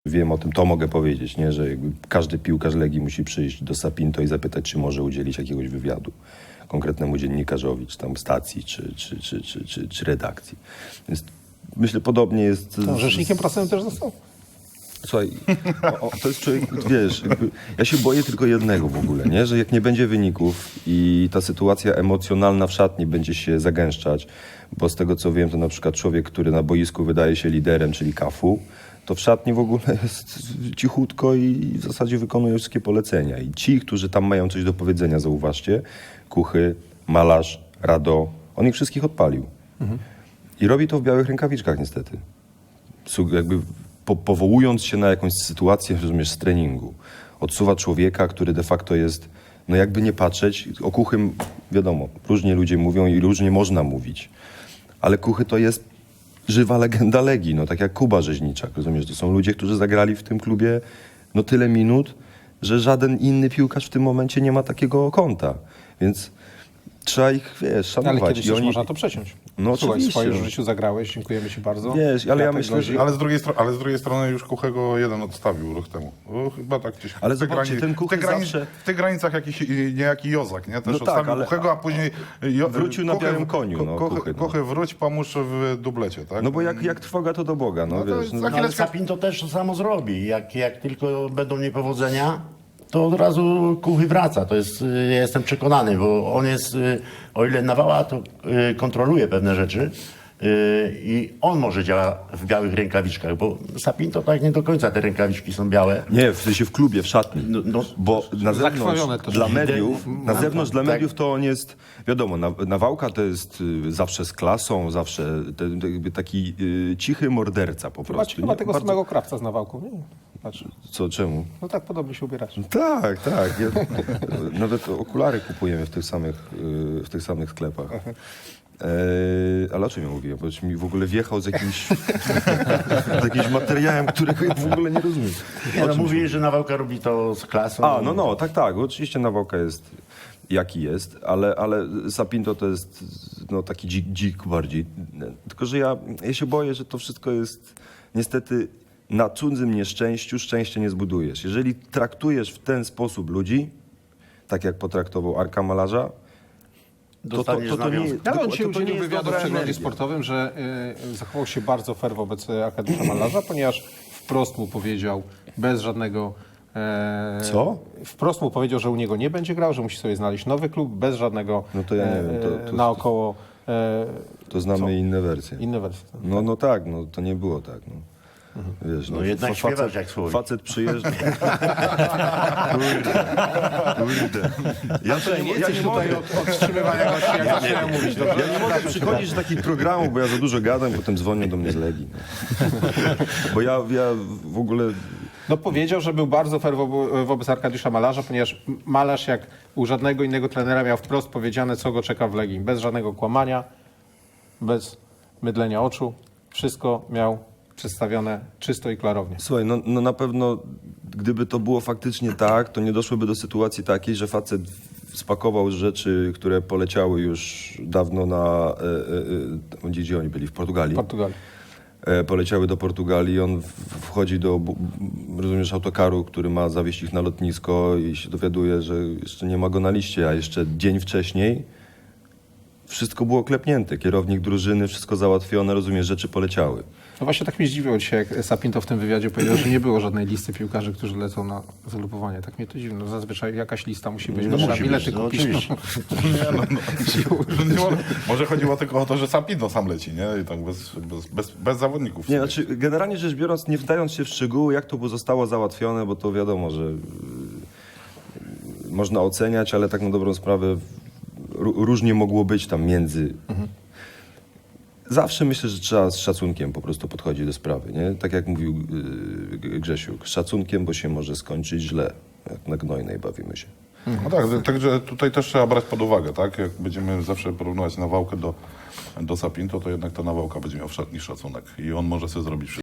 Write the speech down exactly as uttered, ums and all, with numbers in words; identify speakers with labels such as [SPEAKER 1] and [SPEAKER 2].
[SPEAKER 1] wiem o tym, to mogę powiedzieć, nie? Że jakby każdy piłkarz Legii musi przyjść do Sapinto i zapytać, czy może udzielić jakiegoś wywiadu konkretnemu dziennikarzowi, czy tam stacji, czy, czy, czy, czy, czy, czy redakcji. Więc myślę, podobnie jest...
[SPEAKER 2] No, rzecznikiem prasowym też został.
[SPEAKER 1] Słuchaj, o, o, to jest człowiek, wiesz, jakby, ja się boję tylko jednego w ogóle, nie? Że jak nie będzie wyników i ta sytuacja emocjonalna w szatni będzie się zagęszczać, bo z tego co wiem, to na przykład człowiek, który na boisku wydaje się liderem, czyli Cafu, to w szatni w ogóle jest cichutko i w zasadzie wykonuje wszystkie polecenia. I ci, którzy tam mają coś do powiedzenia, zauważcie, Kuchy, Malarz, Rado, on ich wszystkich odpalił. Mhm. I robi to w białych rękawiczkach niestety. Jakby po, powołując się na jakąś sytuację, rozumiesz, z treningu. Odsuwa człowieka, który de facto jest, no jakby nie patrzeć, o Kuchym wiadomo, różnie ludzie mówią i różnie można mówić. Ale Kuchy to jest żywa legenda Legii, no tak jak Kuba Rzeźniczak, rozumiesz? To są ludzie, którzy zagrali w tym klubie no tyle minut, że żaden inny piłkarz w tym momencie nie ma takiego konta. Więc trzeba ich, wiesz, szanować.
[SPEAKER 2] Ale kiedyś
[SPEAKER 1] I
[SPEAKER 2] też
[SPEAKER 1] oni...
[SPEAKER 2] można to przeciąć.
[SPEAKER 1] No
[SPEAKER 2] Słuchaj,
[SPEAKER 1] oczywiście.
[SPEAKER 2] w swoim życiu zagrałeś, dziękujemy ci bardzo.
[SPEAKER 1] Wiesz, ale ja
[SPEAKER 2] Kwiatek
[SPEAKER 1] myślę,
[SPEAKER 2] grozi.
[SPEAKER 1] że...
[SPEAKER 3] Ale z drugiej, stro- ale z drugiej strony już Kuchego jeden odstawił rok temu. O, chyba tak gdzieś.
[SPEAKER 1] Ale
[SPEAKER 3] w tych
[SPEAKER 1] zobaczcie,
[SPEAKER 3] grani-
[SPEAKER 1] ten
[SPEAKER 3] w
[SPEAKER 1] Kuchy
[SPEAKER 3] tych, grani-
[SPEAKER 1] zawsze-
[SPEAKER 3] w tych granicach jakiś y, niejaki Jozak, nie? Też
[SPEAKER 1] No tak,
[SPEAKER 3] odstawił
[SPEAKER 1] ale-
[SPEAKER 3] Kuchego, a później... Jo-
[SPEAKER 1] Wrócił na
[SPEAKER 3] Kuchę-
[SPEAKER 1] białym koniu, no,
[SPEAKER 3] Kuchę,
[SPEAKER 1] Kuchy, no.
[SPEAKER 3] Kuchę wróć, pomóż w dublecie, tak?
[SPEAKER 1] No bo jak, jak trwoga, to do Boga, no,
[SPEAKER 3] No to
[SPEAKER 1] wiesz.
[SPEAKER 3] jest
[SPEAKER 1] No,
[SPEAKER 3] za
[SPEAKER 4] No, ale
[SPEAKER 3] chwileczkę-
[SPEAKER 4] Sapin to też to samo zrobi. Jak, jak tylko będą niepowodzenia, to od razu Kuchy wraca. To jest, y, ja jestem przekonany, bo on jest, y, o ile Nawała, to y, kontroluje pewne rzeczy y, i on może działa w białych rękawiczkach, bo Sapin to tak nie do końca te rękawiczki są białe.
[SPEAKER 1] Nie, w sensie w klubie, w szatni.
[SPEAKER 4] No, no,
[SPEAKER 1] Bo na zewnątrz,
[SPEAKER 2] Zakrwawione też.
[SPEAKER 1] dla mediów, na
[SPEAKER 4] No,
[SPEAKER 1] zewnątrz dla
[SPEAKER 4] tak.
[SPEAKER 1] mediów to on jest, wiadomo, na, Nawałka to jest y, zawsze z klasą, zawsze te, te, jakby taki y, cichy morderca po
[SPEAKER 2] Chyba,
[SPEAKER 1] prostu.
[SPEAKER 2] chyba
[SPEAKER 1] nie?
[SPEAKER 2] tego
[SPEAKER 1] Bardzo-
[SPEAKER 2] samego krawca z Nawałką, nie? Patrz.
[SPEAKER 1] Co, czemu?
[SPEAKER 2] No tak podobnie się ubierasz.
[SPEAKER 1] Tak, tak. Ja, nawet okulary kupujemy w tych samych, y, w tych samych sklepach. E, ale o czym ja mówiłem? Bo mi w ogóle wjechał z jakimś, z jakimś materiałem, którego ja w ogóle nie rozumiem.
[SPEAKER 4] Nie,
[SPEAKER 1] O
[SPEAKER 4] no
[SPEAKER 1] czym
[SPEAKER 4] mówi, że Nawałka robi to z klasą.
[SPEAKER 1] A, no, no, tak, tak. Oczywiście Nawałka jest jaki jest, ale, ale Sapinto to jest no, taki dzik, dzik bardziej. Tylko, że ja, ja się boję, że to wszystko jest niestety na cudzym nieszczęściu szczęście nie zbudujesz. Jeżeli traktujesz w ten sposób ludzi, tak jak potraktował Arka Malarza, to to,
[SPEAKER 4] Dostaniesz
[SPEAKER 1] to, to nie
[SPEAKER 4] nawiązkę.
[SPEAKER 1] jest...
[SPEAKER 2] Ale on
[SPEAKER 1] to-
[SPEAKER 2] się
[SPEAKER 1] to nie
[SPEAKER 2] udzielił
[SPEAKER 1] jest
[SPEAKER 2] wywiadu w
[SPEAKER 1] dobra
[SPEAKER 2] przeglądzie
[SPEAKER 1] energia.
[SPEAKER 2] sportowym, że y, zachował się bardzo fair wobec Arkadiusza Malarza, ponieważ wprost mu powiedział, bez żadnego... E,
[SPEAKER 1] Co?
[SPEAKER 2] Wprost mu powiedział, że u niego nie będzie grał, że musi sobie znaleźć nowy klub, bez żadnego
[SPEAKER 1] No to ja nie wiem, to-
[SPEAKER 2] e,
[SPEAKER 1] to-
[SPEAKER 2] naokoło e,
[SPEAKER 1] To znamy
[SPEAKER 2] Co?
[SPEAKER 1] inne wersje.
[SPEAKER 2] inne wersje.
[SPEAKER 1] No, no tak, no to nie było tak. No. Wiesz,
[SPEAKER 4] No jednak
[SPEAKER 1] fa-
[SPEAKER 4] śpiewasz jak słowik.
[SPEAKER 1] Facet przyjeżdża... Kurde, kurde. Ja to nie, ja nie mogę,
[SPEAKER 2] od wstrzymywania gości, jak zaczynają mówić. Dobrze?
[SPEAKER 1] ja nie mogę przychodzić do takich programów, bo ja za dużo gadam, potem dzwonią do mnie z Legii. No. Bo ja, ja w ogóle...
[SPEAKER 2] No powiedział, że był bardzo fair wo- wobec Arkadiusza Malarza, ponieważ Malarz jak u żadnego innego trenera miał wprost powiedziane, co go czeka w Legii. Bez żadnego kłamania, bez mydlenia oczu. Wszystko miał przedstawione czysto i klarownie.
[SPEAKER 1] Słuchaj, no, no na pewno gdyby to było faktycznie tak, to nie doszłoby do sytuacji takiej, że facet spakował rzeczy, które poleciały już dawno na... E, e, e, gdzie oni byli? W Portugalii.
[SPEAKER 2] Portugalii.
[SPEAKER 1] E, poleciały do Portugalii, on w, wchodzi do, bu- rozumiesz, autokaru, który ma zawieźć ich na lotnisko i się dowiaduje, że jeszcze nie ma go na liście, a jeszcze dzień wcześniej wszystko było klepnięte. Kierownik drużyny, wszystko załatwione, rozumiesz, rzeczy poleciały.
[SPEAKER 2] No właśnie tak mnie zdziwiło dzisiaj, jak Sapinto w tym wywiadzie powiedział, że nie było żadnej listy piłkarzy, którzy lecą na zalupowanie. Tak mnie to dziwi. No zazwyczaj jakaś lista musi być,
[SPEAKER 4] No
[SPEAKER 2] bo trzeba
[SPEAKER 4] musi
[SPEAKER 2] bilety
[SPEAKER 4] być, no
[SPEAKER 2] kupić.
[SPEAKER 4] oczywiście.
[SPEAKER 3] Nie, no, no. Nie, może- Może chodziło tylko o to, że Sapinto sam leci, nie? I tak bez, bez, bez, bez zawodników.
[SPEAKER 1] Nie, znaczy, generalnie rzecz biorąc, nie wdając się w szczegóły, jak to zostało załatwione, bo to wiadomo, że y, można oceniać, ale tak na dobrą sprawę ró- różnie mogło być tam między. Zawsze myślę, że trzeba z szacunkiem po prostu podchodzić do sprawy, nie? Tak jak mówił y, Grzesiuk, z szacunkiem, bo się może skończyć źle. Jak na gnojnej bawimy się.
[SPEAKER 3] No tak, także tutaj też trzeba brać pod uwagę, tak? Jak będziemy zawsze porównywać Nawałkę do, do Sapinto, to jednak ta Nawałka będzie miał w szatni szacunek i on może sobie zrobić wszystko.